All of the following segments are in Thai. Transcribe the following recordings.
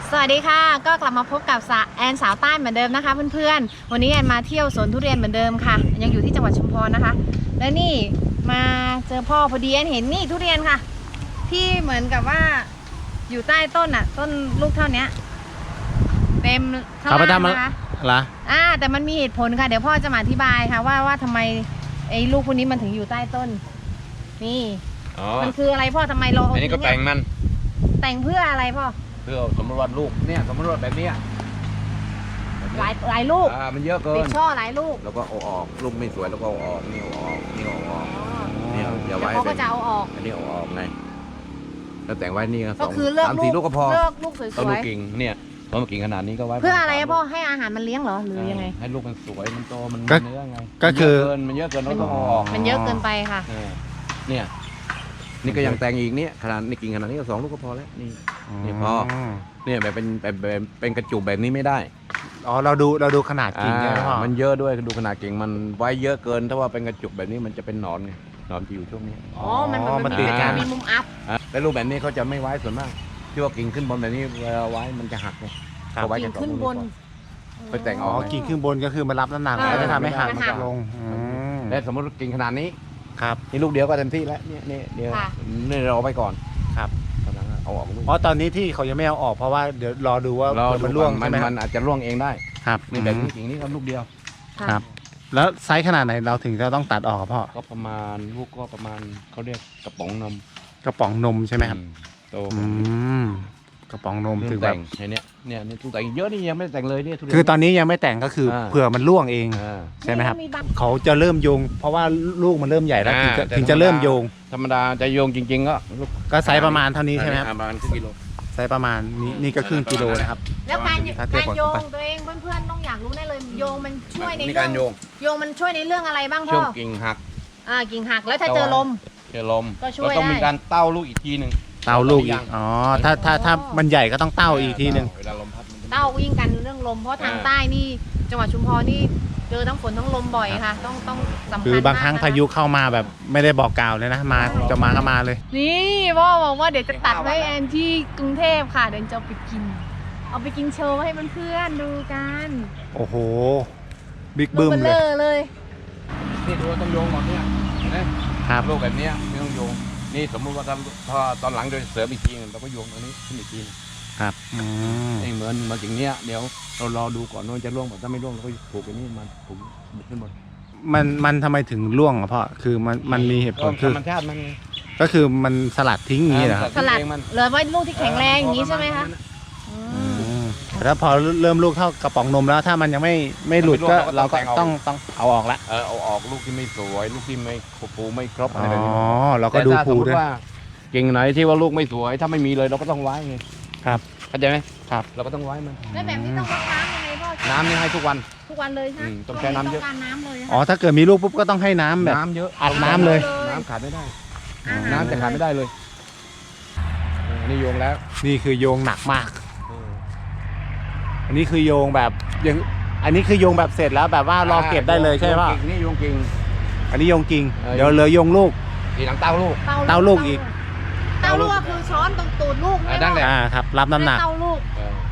สวัสดีค่ะก็กลับมาพบกับแอนสาวใต้เหมือนเดิมนะคะเพื่อนๆวันนี้แอนมาเที่ยวสวนทุเรียนเหมือนเดิมค่ะยังอยู่ที่จังหวัดชุมพรนะคะและนี่มาเจอพ่อพอดีแอนเห็นนี่ทุเรียนค่ะที่เหมือนกับว่าอยู่ใต้ต้นอ่ะต้นลูกเท่านี้เต็มข้างล่างนะคะแต่มันมีเหตุผลค่ะเดี๋ยวพ่อจะมาอธิบายค่ะว่าทำไมไอ้ลูกพวกนี้มันถึงอยู่ใต้ต้นนี่มันคืออะไรพ่อทำไมเราอันนี้ก็แต่งมันแต่งเพื่ออะไรพ่อเพื่อสมมติว่าลูกเนี่ยสมมติว่าแบบนี้หลายลูกมันเยอะเกินติดช่อหลายลูกแล้วก็เอาออกลูกไม่สวยแล้วก็เอาออกนี่เอาออกนี่เอาออกนี่อย่าไว้เขาก็จะเอาออกอันนี้เอาออกไงแล้วแต่งไว้นี่ก็คือเลือกลูกก็พอเลือกลูกสวยๆต้องลูกกิ่งเนี่ยต้นกิ่งขนาดนี้ก็ไว้เพื่ออะไรพ่อให้อาหารมันเลี้ยงเหรอหรือยังไงให้ลูกมันสวยมันโตมันเนื้อไงก็คือมันเยอะเกินเราต้องเอาออกมันเยอะเกินไปค่ะเนี่ยนี่ก็ยังแต่งอีกเนี่ยขนาดนี่กิ่งขนาดนี้ก็2 ลูกก็พอแล้วนี่พอเนี่ยแบบเป็นกระจุกแบบนี้ไม่ได้เราดูขนาดกิ่งใช่ไหมพ่อมันเยอะด้วยดูขนาดกิ่งมันไว้เยอะเกินถ้าว่าเป็นกระจุกแบบนี้มันจะเป็นหนอนไงหนอนจะอยู่ช่วงนี้มันติดกันมีมุมอัพแต่รูปแบบนี้เขาจะไม่ไว้ส่วนมากที่ว่ากิ่งขึ้นบนแบบนี้เวลาไว้มันจะหักไงเขาไว้กิ่งขึ้นบนไปแต่งออกกิ่งขึ้นบนก็คือมารับน้ำหนักแล้วจะทำให้หักลงและสมมติกิ่งขนาดนี้ครับนี่ลูกเดียวก็เต็มที่แล้วเนี่ยเดียวนี่เราไปก่อนครับเอาออกลูกเพราะตอนนี้ที่เขายังไม่เอาออกเพราะว่าเดี๋ยวรอดูว่ามันร่วงมันอาจจะร่วงเองได้ครับนี่แบบนี้กิ่งนี้ก็ลูกเดียวครับแล้วไซส์ขนาดไหนเราถึงจะต้องตัดออกพ่อก็ประมาณลูกก็ประมาณเขาเรียกกระป๋องนมใช่ไหมครับโตกระป๋องนมถึงแต่งเนี่ยทุกแต่งเยอะนี่ยังไม่แต่งเลยเนี่ยคือตอนนี้ยังไม่แต่งก็คือเผื่อมันร่วงเองใช่ไหมครับเขาจะเริ่มโยงเพราะว่าลูกมันเริ่มใหญ่แล้วถึงจะเริ่มโยงธรรมดาจะโยงจริงๆก็ไซส์ประมาณเท่านี้ใช่ไหมครับประมาณครึ่งกิโลไซส์ประมาณนี่ก็ครึ่งกิโลนะครับแล้วการโยงตัวเองเพื่อนๆต้องอยากรู้แน่เลยโยงมันช่วยในเรื่องโยงมันช่วยในเรื่องอะไรบ้างพ่อกิ่งหักกิ่งหักแล้วถ้าเจอลมก็ช่วยได้ต้องมีการเต้าลูกอีกทีหนึ่งเต้าลูกอีกถ้ามันใหญ่ก็ต้องเต้าอีกทีหนึ่งเต้าวิ่งกันเรื่องลมเพราะทางใต้นี่จังหวัดชุมพรนี่เจอทั้งฝนทั้งลมบ่อยค่ะต้องสำคัญคือบางครั้งพายุเข้ามาแบบไม่ได้บอกกล่าวเลยนะมาจะมาก็มาเลยนี่พ่อบอกว่าเดี๋ยวจะตัดไว้แอนที่กรุงเทพค่ะเดี๋ยวจะเอาไปกินโชว์ให้เพื่อนๆดูกันโอ้โหบิ๊กบึ้มเลยนี่ดูต้องโยงก่อนเนี่ยนะครับลูกแบบนี้ไม่ต้องโยงนี่สมมุติว่าถ้าตอนหลังโดยเสริมอีกทีเราก็โยงตรงนี้ขึ้นอีกทีครับเหมือนมาอย่างเนี้ยเดี๋ยวเรารอดูก่อนว่าจะร่วงถ้าไม่ร่วงเราก็ผูกไปนี่มันผูกขึ้นบนมันทำไมถึงร่วงอ่ะพ่อคือมันมีเหตุผลคือธรรมชาติมันก็คือมันสลัดทิ้งอย่างนี้เหรอครับสลัดเหลือไว้ลูกที่แข็งแรงอย่างนี้ใช่ไหมคะแต่ถ้าพอเริ่มลูกเท่ากระป๋องนมแล้วถ้ามันยังไม่หลุดก็เราก็ต้องเอาออกละเอาออกลูกที่ไม่สวยลูกที่ไม่ฟูไม่ครบอะไรแบบนี้เราก็ดูฟูด้วยกิ่งไหนที่ว่าลูกไม่สวยถ้าไม่มีเลยเราก็ต้องไว้ไงครับเข้าใจไหมครับเราก็ต้องไว้มันแล้วแบบนี้ต้องรดน้ำยังไงพ่อน้ำนี่ให้ทุกวันเลยใช่ไหมต้องใช้น้ำเยอะถ้าเกิดมีลูกปุ๊บก็ต้องให้น้ำแบบน้ำเยอะอัดน้ำเลยน้ำขาดไม่ได้น้ำจะขาดไม่ได้เลยนี่โยงแล้วนี่คือโยงหนักมากอันนี้คือโยงแบบยังอันนี้คือโยงแบบเสร็จแล้วแบบว่ารอเก็บได้เลยใช่ป่ะนี่โยงกิ่งอันนี้โยงกิ่งเดี๋ยวเหลือโยงลูกทีหลังเต้าลูกอีกเต้าลูกคือช้อนตรงตูดลูกนั่นแหละครับรับน้ำหนักเต้าลูก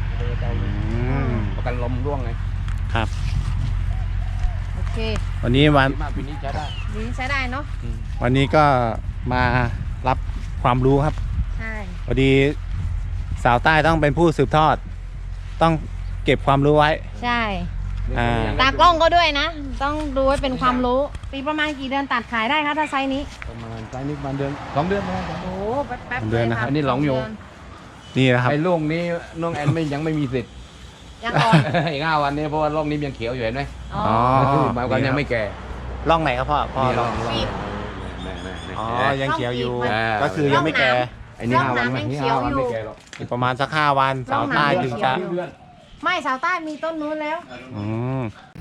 ประกันลมร่วงไงครับโอเควันนี้ปีนี้ใช้ได้เนาะวันนี้ก็มารับความรู้ครับใช่พอดีสาวใต้ต้องเป็นผู้สืบทอดต้องเก็บความรู้ไว้ใช่ตากล้องก็ด้วยนะต้องดูไว้เป็นความรู้ปีประมาณกี่เดือนตัดขายได้คะถ้าไซส์นี้ประมาณไซส์นี้ประมาณเดือน2 เดือนนะโอ้แป๊บเดือนนะครับอันนี้หลงโยงนี่นะครับไอ้ลูกนี้น้องแอนยังไม่มีสิทธิ์ยังอ่อนอีก5 วันนี้เพราะว่าลูกนี้ยังเขียวอยู่เห็นไหมบางวันยังไม่แก่ร่องไหนครับพ่อร่องยังเขียวอยู่ก็คือยังไม่แก่ไอ้นี่5 วันไม่แก่หรอกประมาณสัก5 วันสาวใต้ถึงจะไม่สาวใต้มีต้นนู้นแล้ว